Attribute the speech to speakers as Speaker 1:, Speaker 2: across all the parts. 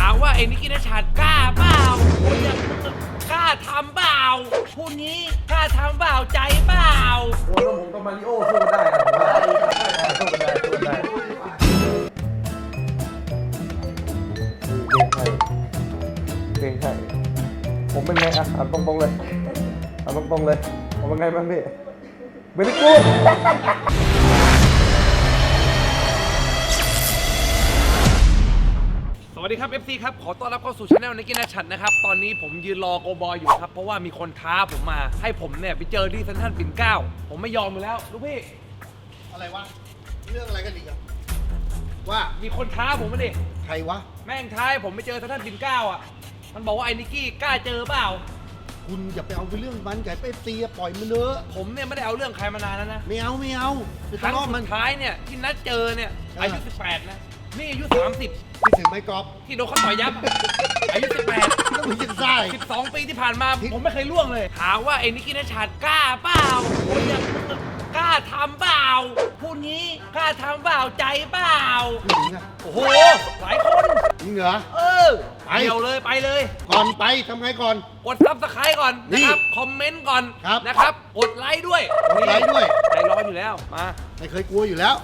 Speaker 1: ามว่าไอ้นิกกี้นัชชากล้าเปล่าคนอย่างมึงกล้าทำเปล่าพูดงี้กล้าทำเปล่าใจเปล่า
Speaker 2: โอ้แล้วผมกับมาริโอสู้กันได้อะสู้กันได้เก่งใช่ผมเป็นไงอ่ะถามตรงๆเลยถามตรงๆเลยผมเป็นไงบ้างพี่เบลิกูด
Speaker 1: สวัสดีครับ FC ครับขอต้อนรับเข้าสู่ช anel นิกกี้นัชชัดนะครับตอนนี้ผมยืนรอโกบอยอยู่ครับเพราะว่ามีคนท้าผมมาให้ผมเนี่ยไปเจอที่เซ็นทรัลปิ่นเกล้าผมไม่ยอมอยู่แล้วลูกพี่
Speaker 3: อะไรวะเรื่องอะไรกันอีกอะว่า
Speaker 1: มีคนท้าผมมาดิ
Speaker 3: ใครวะ
Speaker 1: แม่งท้ายผมไปเจอเซ็นทรัลปิ่นเกล้าอ่ะมันบอกว่าไอ้นิกกี้กล้าเจอเปล่า
Speaker 3: คุณอย่าไปเอาไปเรื่องมันไก่ไปตีปล่อยมันเนอะ
Speaker 1: ผมเนี่ยไม่ได้เอาเรื่องใครมานานแล้วนะ
Speaker 3: ไม่เอาไป
Speaker 1: ครั้ง
Speaker 3: ทะเลาะ
Speaker 1: สุ
Speaker 3: มัน
Speaker 1: ดท้ายเนี่ยที่นัดเจอเนี่ยอายุ18นะนี่อายุ30
Speaker 3: ที่ถึงไม่กรอบ
Speaker 1: ที่โดนเขาต่อยยับอายุ18
Speaker 3: ต้องมีจิตใจ
Speaker 1: 12 ปีที่ผ่านมาผมไม่เคยล่วงเลยถามว่าไอ้นิกกี้นัชชากล้าเปล่าคนอย่างมึงกล้าทำเปล่าพูดงี้กล้าทำเปล่าใจเปล่าโอ้โหหลายคน
Speaker 3: จริงเหรอ
Speaker 1: ไปเดียวเลยไปเลย
Speaker 3: ก่อนไปทำไงก่อน
Speaker 1: กดซับสไครต์ก่อนนะครับคอมเมนต์ก่อนนะครับกดไลค์ด้วย
Speaker 3: ไลค์ด้วย
Speaker 1: ใจร้อนอยู่แล้วมา
Speaker 3: ไม่เคยกลัวอยู่แล้ว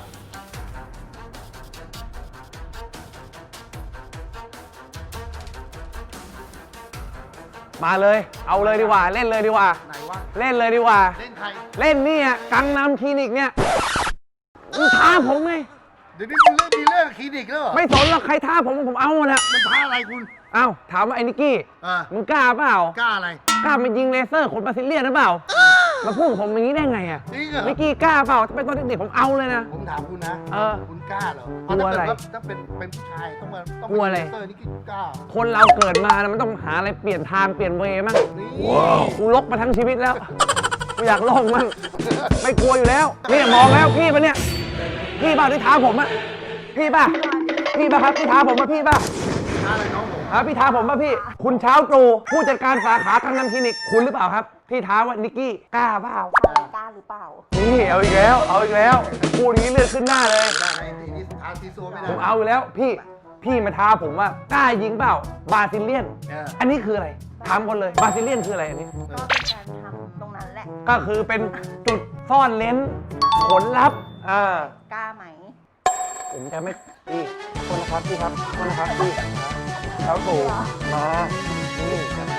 Speaker 2: มาเลยเอาเลยดีกว่าเล่นเลยดีกว่า
Speaker 3: ไหนวะ
Speaker 2: เล่นเลยดีกว่า
Speaker 3: เล่นใคร
Speaker 2: เล่นนี่อ่ะกังนำคลินิกเนี่ยมึงท้าผมไง
Speaker 3: เดี๋ยวนี้มึงมีเรื่องคลินิกแล้วเหรอ
Speaker 2: ไม่สนหรอกใครท้าผมเอาหมดอะ
Speaker 3: มันท้าอะไรคุณ
Speaker 2: เอ้าถามว่าไอ้นิกกี้มึงกล้าเปล่าก
Speaker 3: ล้าอะไร
Speaker 2: กล้ามายิงเลเซอร์ขนบราซิเลียนหรือเปล่ามาพูดผมอย่างนี้ได้ไงอะ
Speaker 3: จริงเหรอ
Speaker 2: นิกกี้กล้าเปล่าถ้าเป็นตอนเด็กๆผมเอาเลยนะ
Speaker 3: ผมถามคุณนะคุณกล้าเหรอก
Speaker 2: ลัวอะไร
Speaker 3: ถ้าเป็นผู้ชายต้อง
Speaker 2: กลัวอะไร
Speaker 3: เลเซอร์นี่กล้า
Speaker 2: คนเราเกิดมานะมันต้องหาอะไรเปลี่ยนทางเปลี่ยนเวย์มั่งกูลกมาทั้งชีวิตแล้วกูอยากลองมั่งไม่กลัวอยู่แล้วนี่มองแล้วพี่ปะเนี่ยพี่บ้าที่ท้าผมอะพี่ป่ะครับพี่ท้าผมป่ะพี่ป่ะ
Speaker 3: ท้าอะไรน้องผม
Speaker 2: พี่ท้าผมป่ะพี่คุณเช้าตรู่ผู้จัดการสาขากังนำคลินิกคุณหรือเปล่าครับพี่ท้าว่านิกกี้กล้าเปล่าก
Speaker 4: ล้าหรือเปล่า
Speaker 2: นี่เอาอีกแล้วพูดนี้เลือดขึ้นหน้าเลยผมเอาอยู่แล้วพี่มาท้าผมว่ากล้ายิงเปล่าบราซิเลียนอันนี้คืออะไรถามคนเลยบราซิเลียนคืออะไรอันนี้
Speaker 4: ก็เป็นการทำตรงนั้นแหละ
Speaker 2: ก็คือเป็นจุดซ่อนเลนผลลัพธ์
Speaker 4: กล้าไหม
Speaker 2: ผมจะไม่พี่คนนะครับพี่ครับคนนะครับพี่เช้าตู่มานี่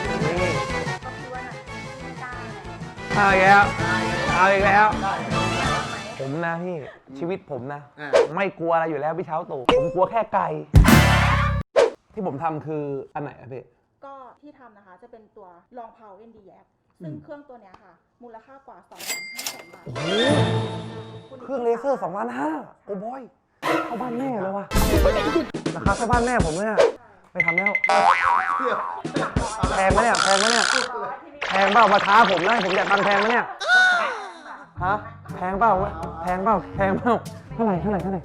Speaker 2: เอาอีกแล้วผมนะพี่ชีวิตผมนะไม่กลัวอะไรอยู่แล้วพี่เช้าตู่ผมกลัวแค่ไก่ที่ผมทำคืออันไหนอะพี่
Speaker 4: ก็ที่ทำนะคะจะเป็นตัวลองเพาเอ็นดีแยกซึ่งเครื่องตัวนี้ค่ะมูลค่ากว่า 2,500,000 บาท
Speaker 2: โอ้โหเครื่องเลเซอร์2,500,000โอ้บอยเข้าบ้านแม่เลยวะราคาเข้าบ้านแม่ผมเลยไม่ทำแล้วแพงไหมเนี่ยแพงเปล่ามาท้าผมนะผมอยากตังแพงไหมเนี่ยฮะแพงเปล่าเท่าไหร่
Speaker 4: ถ้าเป็นราคา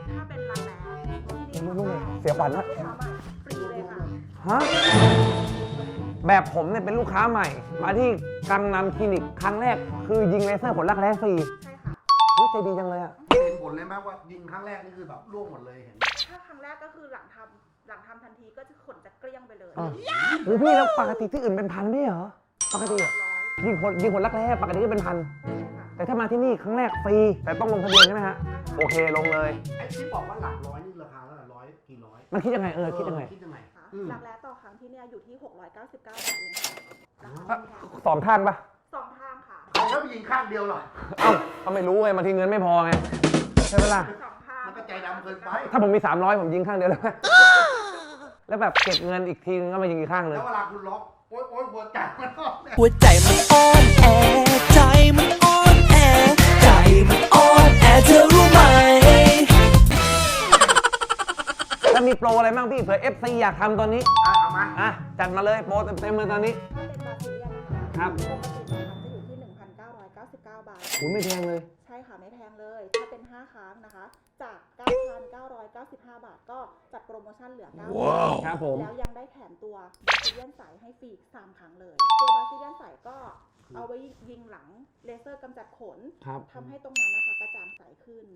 Speaker 2: ลูกเสียขวัญนะ
Speaker 4: ฟรีเลยค่ะ
Speaker 2: ฮะแบบผมเนี่ยเป็นลูกค้าใหม่มาที่กังนำคลินิกครั้งแรกคือยิงเลเซอร์ขนรักแร้ฟรี
Speaker 4: ใช่ค่ะ
Speaker 2: ใจดีจังเลยอะ
Speaker 3: เห็นผลเลยไหมว่ายิงครั้งแรกนี่คือแบบร่วงหมดเลยเห็น
Speaker 4: ถ้าครั้งแรกก็คือหลังทำทันทีก็จะขนจะเกลี้ยงไปเลย
Speaker 2: โอ้พี่แล้วปกติที่อื่นเป็นพันไม่เหรอปกติยิงคนรักแร้ปกติก็เป็นพันแต่ถ้ามาที่นี่ครั้งแรกฟรีแต่ต้องลงทะเบียนใช่ไหมฮะโอเคลงเลย
Speaker 3: ไอ้ที่บอกว่าหลักร้อยนี่ราคาเท่าไหร่ร้อยกี่ร้อย
Speaker 2: มันคิดยังไงคิดยังไง
Speaker 4: รักแร้ต่อครั้งที่เนี่ยอยู่ที่699 บาทเอง
Speaker 2: 2 ข้างปะ
Speaker 4: 2 ข้างค่ะ
Speaker 3: แล้วไปยิงข้างเดียวหรอ
Speaker 2: เขาไม่รู้ไงบางทีเงินไม่พอไงใช่ไหมล่ะ
Speaker 3: มันก็ใจดำเกินไป
Speaker 2: ถ้าผมมี300ผมยิงข้างเดียวแล้วแบบเก็บเงินอีกทีนึงก็มายิงอีกข้างเลย
Speaker 3: แล้วเวลาคุณล็อกโอ๊ยหัวใจมันอ่
Speaker 5: อนแอใจมันอ่อนแอใจมันอ่อนแอเธอรู้ไหม
Speaker 2: แล้วมีโปรอะไรบ้างพี่เผื่อ FC อยากทำตอนนี้
Speaker 3: เอามา
Speaker 2: จัดมาเลยโปรเต็มเลยตอนนี้
Speaker 4: ถ้าเป็นบาซิเลียนนะคะจะอยู่ที่ 1,999 บาท
Speaker 2: โอ้ไม่แพงเลย
Speaker 4: ใช่ค่ะไม่แพงเลยถ้าเป็น5 ครั้งนะคะจาก 9,995 บาทก็จัดโปรโมชั่นเหลือ9,000
Speaker 2: ครับผม
Speaker 4: แล้วยังได้แถมตัวบาซิเลียนใสให้ฟรี3 ครั้งเลยตัวบาซิเลียนใสก็เอาไว้ยิงหลังเลเซอร์กำจัดขน
Speaker 2: ครับ
Speaker 4: ทำให้ตรงนั้นนะคะกระจ่างใสขึ้น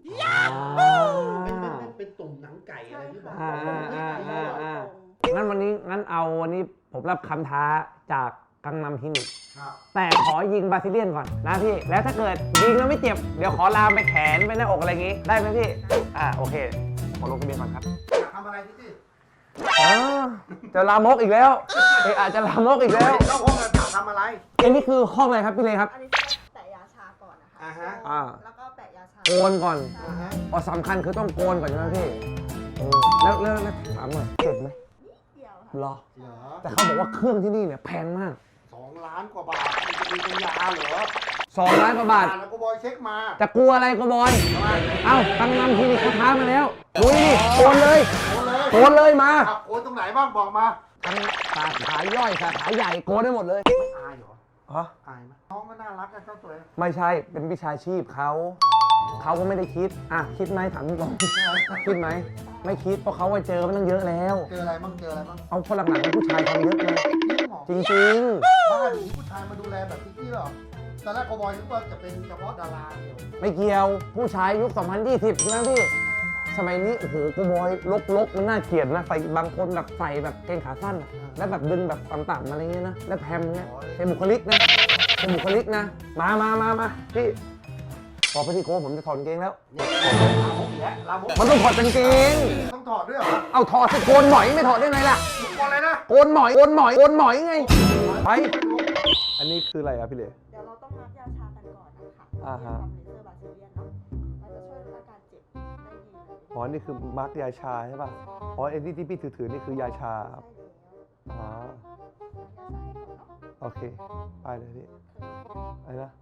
Speaker 3: เป็นตุ่มหนังไก่อะไรที่แบบ
Speaker 2: งั้นวันนี้ผมรับคำท้าจากกังนำคลินิก
Speaker 3: ครับ
Speaker 2: แต่ขอยิงบาซิเลียนก่อนนะพี่ แล้วถ้าเกิดยิงแล้วไม่เจ็บ เดี๋ยวขอลามไปแขนไปหน้าอกอะไรอย่างงี้ ได้ไหมพี่ โอเค ขอลงทะเบียนก่อนครับ
Speaker 3: อยากทำอะไรที่
Speaker 2: จะลามกอีกแล้วอาจจะลามกอีกแล้ว
Speaker 3: เข้าห้องกันอยากทำอะไร
Speaker 2: อันนี้คือห้องอะไรครับพี่เลครับ
Speaker 4: อันนี้จะแปะยาชาก่อนนะคะ
Speaker 3: อ่าฮะ
Speaker 4: แล้วก็แปะยาชา
Speaker 2: โกนก่อน
Speaker 3: อ่าฮะ
Speaker 2: พอสำคัญคือต้องโกนก่อนใช่ไหมพี่แล้วถามหน่อยเจ็บไหม
Speaker 4: เดียวค่ะ
Speaker 2: หรอ
Speaker 3: เหรอ
Speaker 2: แต่เขาบอกว่าเครื่องที่นี่เนี่ยแพงมาก
Speaker 3: 2 ล้านกว่าบาทมันจะมีเป็นยาเหรอ
Speaker 2: 2 ล้านกว่าบาท
Speaker 3: แล้วก็บอยเช็คมา
Speaker 2: จะกลัวอะไรก็บอย เอ้ากังนำคลินิกเขาท้ามาแล้วดูดิโกนเลย โกนเลยมา
Speaker 3: ขับโอนตรงไหนบ้างบอกมา
Speaker 2: ทั้งสาขาย่อยสาขาใหญ่โกนได้หมดเลย
Speaker 3: ไม่อายเหรอ
Speaker 2: ฮะ
Speaker 3: อายไหมน้องก็น่ารักกันเจ้าตัวเอง
Speaker 2: ไม่ใช่ เป็นวิชาชีพเขาก็ไม่ได้คิด คิดไหมถามตรงๆคิดไหม ไม่คิด เพราะเขาเจอมันตั้งเยอะแล้ว
Speaker 3: เจออะไรบ้างเจออะไรบ้าง
Speaker 2: เอาคนหลังๆเป็นผู้ชายทำเยอะเลย
Speaker 3: จริงเหรอ
Speaker 2: จริง
Speaker 3: บ้านนี้ผู้ชายมาดูแลแบบพี่เหรอตอนแรกบอยนึกว่าจะเป็นเฉพาะดาราเดียว
Speaker 2: ๆ ไม่เกี่ยว ผู้ชายยุค 2020 ใช่ไหมพี่ สมัยนี้ โอ้โหกูบอยลกมันน่าเกลียดนะ ใส่บางคนแบบใส่แบบเกงขาสั้นอะแล้วแบบดึงแบบต่ำๆอะไรเงี้ยนะ แล้วแพมเงี้ยเป็นบุคลิกนะ เป็นบุคลิกนะ มาพี่พอไปที่โค้งผมจะถอดกางเกงแล้ว
Speaker 3: เนี่ยลามกอีกแล้วลามก
Speaker 2: มันต้องถอดกางเกง
Speaker 3: ต้องถอดด้วยเหรอ
Speaker 2: เอาถอดสิโกนหมอยไม่ถอดได้ไงล่ะ
Speaker 3: ก่อนเลยนะ
Speaker 2: โกนหมอยไง ไป อันนี้คืออะไรอะพี่เล่
Speaker 4: เดี๋ยวเราต้องรับยาชากันก่อนนะคะ
Speaker 2: อ่าฮะ
Speaker 4: ทำเลเซอร์บาซิเลียนเนาะมันจะช่วยลดอาการเจ็บได้ดีเลย
Speaker 2: อ๋อ นี่คือมาร์กยาชาใช่ป่ะ อ๋อไอ้ที่พี่ถือนี่คือยาชาครับ
Speaker 4: ใช่แล้ว
Speaker 2: อ๋อ
Speaker 4: ยาชาให้ก่อนเนาะ
Speaker 2: โอเค ไปเลยพี่ อะไรนะ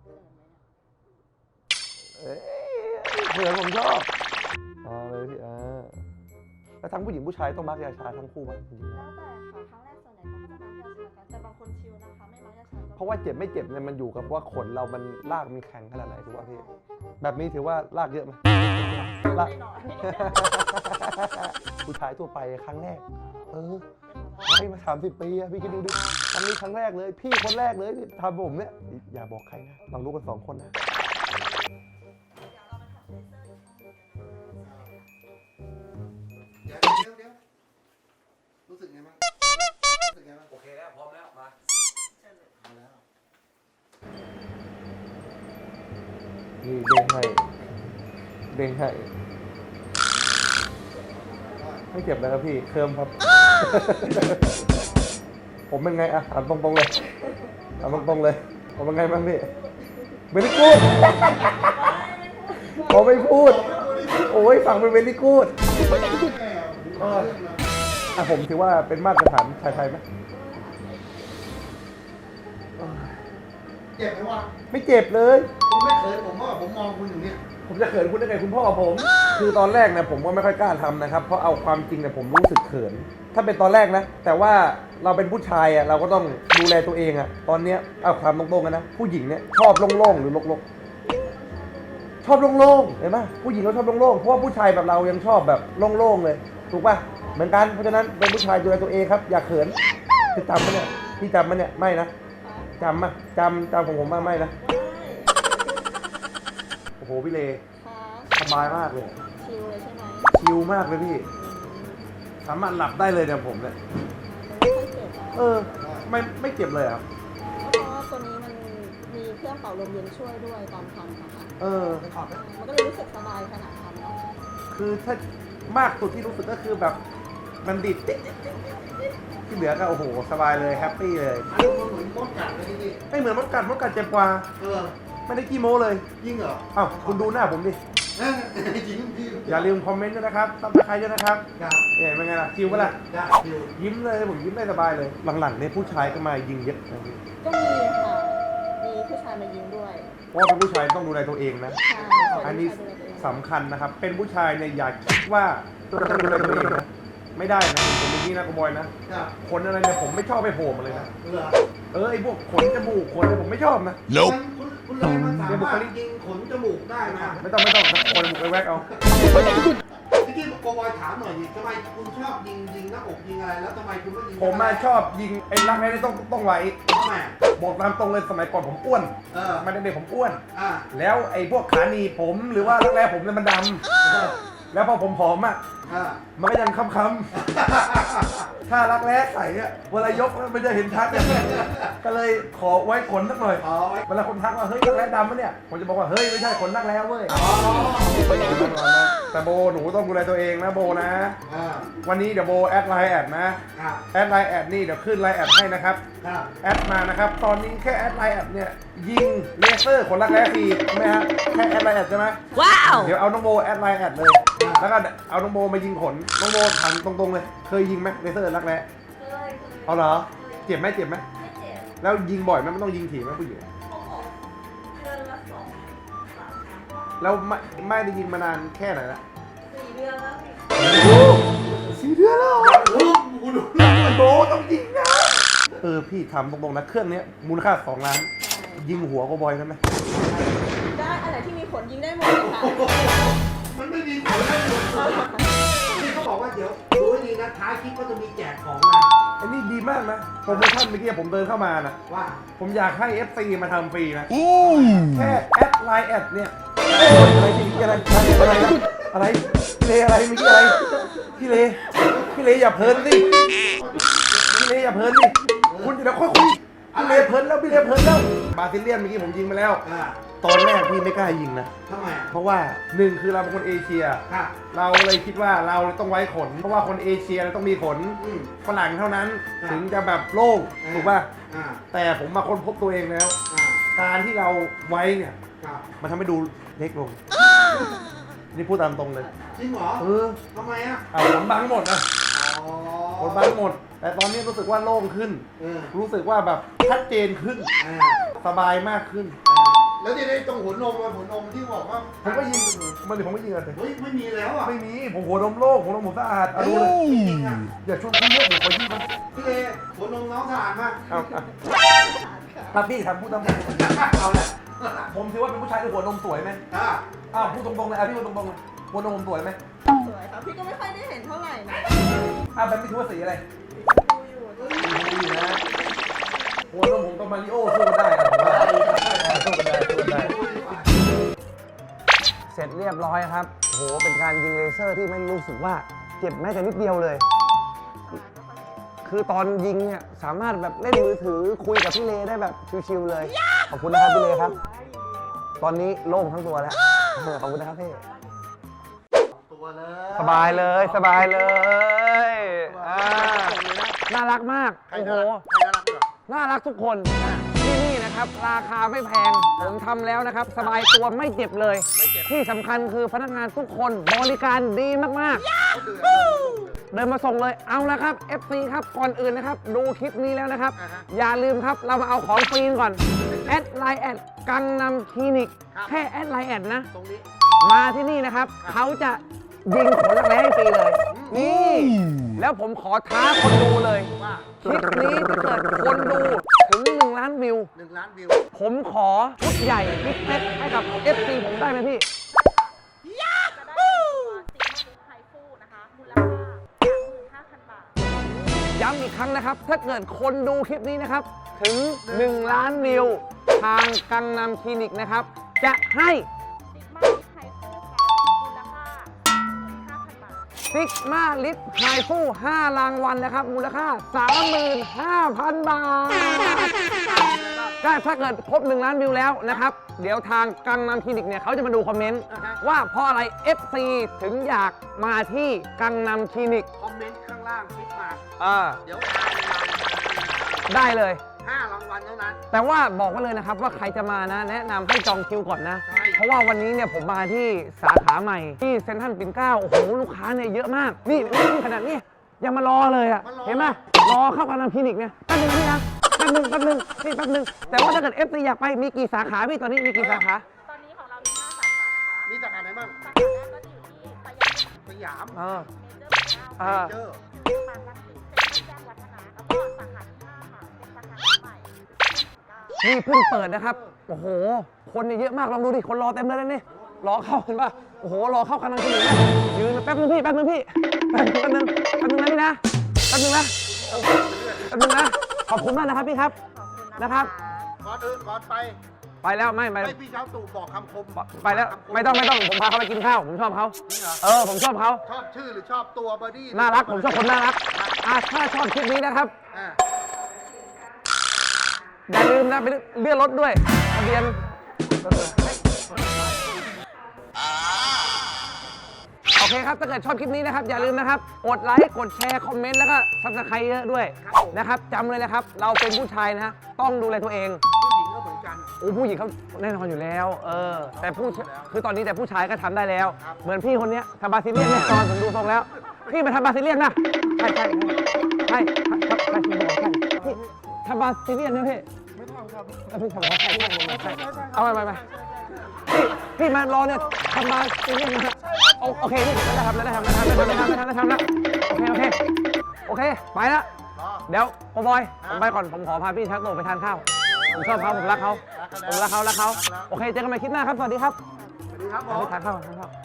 Speaker 2: เผื่อผมชอบเลยพี่แล้วทั้งผู้หญิงผู้ชายต้องมาร์กยาชาทั้งคู่ป่ะจริง
Speaker 4: แล้วแต่ค่ะครั้งแรกส่วนใหญ่เขาก็จะมาร์กยาชากันแต่บางคนชิลนะคะไม่มาร์กยาชาก็
Speaker 2: เพราะว่าเจ็บไม่เจ็บเนี่ยมันอยู่กับว่าขนเรามันลากมันแข็งขนาดไหนถูกป่ะพี่ แบบนี้ถือว่าลากเยอะไหมลาก
Speaker 4: ไม่น้อย
Speaker 2: ผู้ชายทั่วไปครั้งแรก ให้มา30 ปีอะพี่คิดดูดิทำนี้ครั้งแรกเลย พี่คนแรกเลยที่ทำผมเนี่ย อย่าบอกใครนะลองรู้กัน2 คนนะ
Speaker 3: เดี๋ยวรู้สึกไงบ้าง
Speaker 2: โอเคแล้วพร้อมแล้วมา
Speaker 3: เอาแล้ว
Speaker 2: นี่เด้งให้ไม่เจ็บเลยครับพี่เคิร์มครับ ผมเป็นไงถามตรงๆเลยถามตรงๆเลยผมเป็นไงบ้างพี่เวลี่กูดผมไม่พูดโอ้ยฟังเป็นเวลี่กูดผมถือว่าเป็นมาตรฐานชายไทยไหม
Speaker 3: เจ็บไหมวะ
Speaker 2: ไม่เจ็บเลย
Speaker 3: คุณไม่เขินผมว่าผมมองคุณอยู่เนี่ย
Speaker 2: ผมจะเขินคุณได้ไงคุณพ่อผม คือตอนแรกเนี่ยผมก็ไม่ค่อยกล้าทำนะครับ เพราะเอาความจริงเนี่ยผมรู้สึกเขิน ถ้าเป็นตอนแรกนะ แต่ว่าเราเป็นผู้ชายเราก็ต้องดูแลตัวเองตอนเนี้ยเอาความตรงๆกันนะ ผู้หญิงเนี่ยชอบโล่งๆหรือรกๆชอบโล่งๆเห็นไหมผู้หญิงเขาชอบโล่งๆเพราะว่าผู้ชายแบบเรายังชอบแบบโล่งๆเลยถูกป่ะเหมือนกันเพราะฉะนั้นเป็นผู้ชายดูแลตัวเองครับอย่าเขินคือจำมั้ยเนี่ยพี่จำมั้ยเนี่ยไม่นะจำมั้ยจำของผมบ้างไม่นะโอ้โหพี่เลสบายมากเลย
Speaker 4: ชิลเลยใช่ไหม
Speaker 2: ชิลมากเลยพี่สามารถหลับได้เลยเนี่ยผมเนี่ย
Speaker 4: ไม่ค่อยเจ็บอะ
Speaker 2: ไม่เจ็บเลยครับ
Speaker 4: เพราะว่าตัวนี้มันมีเครื่องเป่าลมเย็นช่วยด้วยตอนทำนะคะ มันก็เลยรู้สึกสบายขนาดทำเนาะ
Speaker 2: คือถ้ามากสุดที่รู้สึกก็คือแบบมันดิดติ๊ดที่เหลือก็โอ้โหสบายเลยแฮปปี้เลย
Speaker 3: อันนี้มันเหมือนมดกัดเลยพี่
Speaker 2: ไม่เหมือนมดกัดเจ็บกว่า ไม่ได้ขี้โม้เลย
Speaker 3: ยิ่งเหรอ
Speaker 2: อ้าวคุณดูหน้าผมดิ
Speaker 3: จริงพี่
Speaker 2: อย่าลืมคอมเมนต์ด้วยนะครับซับสไครต์ด้วยนะครับ
Speaker 3: ครับ
Speaker 2: เป็นไงล่ะชิลปะล่ะ
Speaker 3: ได้ชิว
Speaker 2: ยิ้มเลยผมยิ้มได้สบายเลยหลังๆเนี่ยผู้ชายก็มายิงเยอะนะพี่
Speaker 4: ก็มีค่ะ มีผู้ชายมายิงด้วย
Speaker 2: เพราะว่าเป็นผู้ชายต้องดูแลตัวเองนะ
Speaker 4: ใช่
Speaker 2: อันนี้สำคัญนะครับ เป็นผู้ชายเนี่ยอย่าคิดว่าตัวจะดูแลตัวเองนะไม่ได้นะผมเป็นนี่นะกูบอยนะ
Speaker 3: ครับ
Speaker 2: ขนอะไรเนี่ยผมไม่ชอบไปโผล่มาเลยนะ
Speaker 3: เหรอ
Speaker 2: ไอ้พวกขนจมูกขนอะไรผมไม่ชอบนะ
Speaker 3: คุณเลยมันสามารถยิงขนจมูกได้นะ
Speaker 2: ไม่ต้องคนจมูกไปแวกเอา
Speaker 3: ที่โกบอยถามหน่อยดิทำไมคุณชอบยิงหน้าอกยิงอะไรแล้วทำไมคุณไม่ยิง
Speaker 2: ผมมาชอบยิงไอ้รักแร้นี่ต้องไว้
Speaker 3: ทำไม
Speaker 2: บอกตามตรงเลยสมัยก่อนผมอ้วน มาเด็กๆผมอ้วน
Speaker 3: อ่า
Speaker 2: แล้วไอ้พวกขาหนีบผมหรือว่ารักแร้ผมเนี่ยมันดำแล้วพอผมผอมอ่ะ มันก็ยังค้ำๆถ้ารักแร้ใส่เนี่ยเวลายกมันจะเห็นชัดเนี่ยก็เลยขอไว้ขนสักหน่อย
Speaker 3: อ๋อไว้
Speaker 2: เวลาคนทักว่าเฮ้ยรักแร้ดำปะเนี่ยผมจะบอกว่าเฮ้ยไม่ใช่ขนรักแร้เว้ยแต่โบหนูต้องดูแลตัวเองนะโบนะ วันนี้เดี๋ยวโบแอดไลน์แอดนะแอดไลน์แอดนี่เดี๋ยวขึ้นไลน์แอดให้นะครับแอดมานะครับตอนนี้แค่แอดไลน์แอดเนี่ยยิงเลเซอร์ขนรักแร้ฟรีใช่ไหมฮะแค่แอดไลน์แอดใช่ไหมว้าวเดี๋ยวเอาน้องโบแอดไลน์แอดเลยแล้วก็เอาน้องโบมายิงขนน้องโบถามตรงๆเลยเคยยิงไหมเลเซอร์รักแร้เอาเหรอเจ็บไหมไม่เจ็บแล้วยิงบ่อยไหมไม่ต้องยิงถี่ไหมผู้หญิงแล้วไม่ได้ยิงมานานแค่ไหนละ4 เดือนแล้ว4 เดือนแล้วโบต้องยิงนะพี่ทำตรงๆนะเครื่องนี้มูลค่า2 ล้านยิงหัวก็บอยกันไหม
Speaker 4: ได้อะไรที่มีผลยิงได้หมดเลยค่ะ
Speaker 3: มันไม่มีผลได้หมดนี่เขาบอกว่าเดี๋ยวดูให้ดีนะท้ายคลิปก็จะมีแจกของนะ
Speaker 2: อันนี้ดีมากนะโปรโมชั่นเมื่อกี้ผมเดินเข้ามานะ
Speaker 3: ว่า
Speaker 2: ผมอยากให้ FC มาทำฟรีนะแค่แอดไลน์แอดเนี่ยอะไรพี่อะไรอะไรพี่เลอะไรเมื่อกี้อะไรพี่เลอย่าเพลินสิพี่เลอย่าเพลินสิคุณเดี๋ยวค่อยคุยพี่เลเพลินแล้วบาซิเลียนเมื่อกี้ผมยิงไปแล้วตอนแรกพี่ไม่กล้ายิงนะ
Speaker 3: ทำไม
Speaker 2: เพราะว่า1คือเราเป็นคนเอเชียเราเลยคิดว่าเราต้องไว้ขนเพราะว่าคนเอเชียต้องมีขนฝรั่งเท่านั้นถึงจะแบบโล่งถูกป่ะแต่ผมมาค้นพบตัวเองแล้วการที่เราไว้เนี่ยมันทำให้ดูเล็กลงนี่พูดตามตรงเลย
Speaker 3: จริงเหรอทำไมอ่ะ
Speaker 2: ขนบังหมดนะขนบังหมดแต่ตอนนี้รู้สึกว่าโล่งขึ้นรู้สึกว่าแบบชัดเจนขึ้นสบายมากขึ้น
Speaker 3: แล้วที่ได้ตรงหัวนมที่บอกว่า
Speaker 2: ผมก็ยิงผมก็ยิงอะไร
Speaker 3: เฮ้ยไม่มีแล้วอ่ะ
Speaker 2: ไม่มีผมหัวนมโล่งหัวนมผมสะอาดเอาดูเลยอย่าชวนคุยเยอะผมขอยิงมัน
Speaker 3: พี่เลหัวนมน้องสะอาดมาก
Speaker 2: ครับพี่ทำพูดตาม
Speaker 3: เอาละ
Speaker 2: ผมถือว่าเป็นผู้ชายที่หัวนมสวยไหมพูดตรงๆเลยพี่พูดตรงๆเลยหัวนมผมสวยไหม
Speaker 4: สวยครับพี่ก็ไม่ค่อยได้เห็นเท่าไหร่นะ
Speaker 2: แบบไม่ถือว่าสีอะไรดูอยู่นะหัวนมผมกับมาริโอสู้กันได้สู้กันได้เสร็จเรียบร้อยครับโหเป็นการยิงเลเซอร์ที่ไม่รู้สึกว่าเจ็บแม้แต่นิดเดียวเลยคือตอนยิงเนี่ยสามารถแบบเล่นมือถือคุยกับพี่เลได้แบบชิวๆเลยขอบคุณนะครับพี่เลครับตอนนี้โล่งทั้งตัวแล้วขอบคุณนะครับพี่สบายเลยน่ารักมากโอ้โหน่ารักทุกคนที่นี่นะครับราคาไม่แพงผมทำแล้วนะครับสบายตัวไม่เจ็บเลยที่สำคัญคือพนักงานทุกคนบริการดีมากๆเดินมาส่งเลยเอาละครับ FC ครับก่อนอื่นนะครับดูคลิปนี้แล้วนะครับอย่าลืมครับเรามาเอาของฟรีก่อนแอดไลน์แอดกังนำคลินิกแค่แอดไลน์แอดนะมาที่นี่นะครับเขาจะยิงขนรักแร้ให้ฟรีเลยนี่แล้วผมขอท้าคนดูเลยคลิปนี้ถ้าเกิดคนดูถึง1 ล้านวิวผมขอชุดใหญ่พิเศษให้กับ FC ผมได้ไหมพี่ย้ำอีกครั้งนะครับถ้าเกิดคนดูคลิปนี้นะครับถึง1 ล้านวิวทางกังนำคลินิกนะครับจะให้ซิกมาลิฟไฮฟู5 รางวัลนะครับมูลค่า 35,000 บาทก็ถ้าเกิดครบ1 ล้านวิวแล้วนะครับเดี๋ยวทางกังนำคลินิกเนี่ยเขาจะมาดูคอมเมนต์ว่าเพราะอะไร FC ถึงอยากมาที่กังนำคลินิก
Speaker 3: คอมเมนต์ข้างล่างคลิปมาเดี๋ยว
Speaker 2: ได้เลย
Speaker 3: 5 รางวัลเท่านั้น
Speaker 2: แต่ว่าบอกไว้เลยนะครับว่าใครจะมานะแนะนำให้จองคิวก่อนนะเพราะว่าวันนี้เนี่ยผมมาที่สาขาใหม่ที่เซ็นทรัลปิ่นเกล้าโอ้โหลูกค้าเนี่ยเยอะมากนี่ขนาดนี้ยังมารอเลยอ่ะเห็นไหมรอเข้ากังนำคลินิกเนี่ยแป๊บนึงพี่นะแป๊บนึงนี่แป๊บนึงแต่ว่าถ้าเกิด FC อยากไปมีกี่สาขาพี่ตอนนี้มีกี่สาขา
Speaker 4: ตอนนี้ของเรามี5 สาขานะคะ
Speaker 3: มีสาขาไหนบ้าง
Speaker 4: สาขาแรกก็อยู่ที่สยาม
Speaker 3: เมเจอร์
Speaker 4: บางรักสิแจ้งวัฒนะแล้วก็สาขาที่5ค่ะเป็นสาขาใหม่
Speaker 2: นี่เพิ่งเปิดนะครับโอ้โหคนเยอะมากลองดูดิคนรอเต็มเลยนี่รอเข้าเห็นป่ะโอ้โหรอเข้าคันนังคนอื่นนะยืนแป๊บนึงพี่แป๊บนึงพี่แป๊บนึงนะพี่นะแป๊บนึงนะขอบคุณมากนะครับพี่ครับนะครับ
Speaker 3: ก่อนไป
Speaker 2: แล้วไม่
Speaker 3: ให้พี่เช้าตู่บอกคำคม
Speaker 2: ไปแล้วไม่ต้องผมพาเขาไปกินข้าวผมชอบเขา
Speaker 3: จริงเหรอ
Speaker 2: ผมชอบเขา
Speaker 3: ชอบชื่อหรือชอบตัวบอดี้
Speaker 2: น่ารักผมชอบคนน่ารักถ้าชอบคลิปนี้นะครับ
Speaker 3: อ่า
Speaker 2: อย่าลืมนะไปเลื่อนรถด้วยทะเบียนโอเคครับถ้าเกิดชอบคลิปนี้นะครับอย่าลืมนะครับกดไลค์กดแชร์คอมเมนต์แล้วก็ซับสไครต์เยอะด้วยนะครับจำเลยนะครับเราเป็นผู้ชายนะฮะต้องดูแลตัวเอง
Speaker 3: ผู้หญิงก็เหมือนกัน
Speaker 2: ผู้หญิงเขาแน่นอนอยู่แล้วแต่คือตอนนี้แต่ผู้ชายก็ทำได้แล้ว เหมือนพี่คนเนี้ยทำบาซิเลียนแน่นอนผมดูทรงแล้วพี่มาทำบาซิเลียนนะใช่พี่ทำบาซิเลียนนะพี่ไม่ทำครับพี่ทำใช่เอาไปพี่มารอเนี่ยทำบาซิเลียนนะโอเคพี่ได้ทำแล้วโอเคไปละเดี๋ยวโอบอยผมไปก่อนผมขอพาพี่ชักโตไปทานข้าวผมชอบเขาผมรักเขาโอเคเจอกันใหม่คลิปหน้าครับสวัสดีครับ
Speaker 3: สวัสดีครับผม
Speaker 2: ไปทานข้าว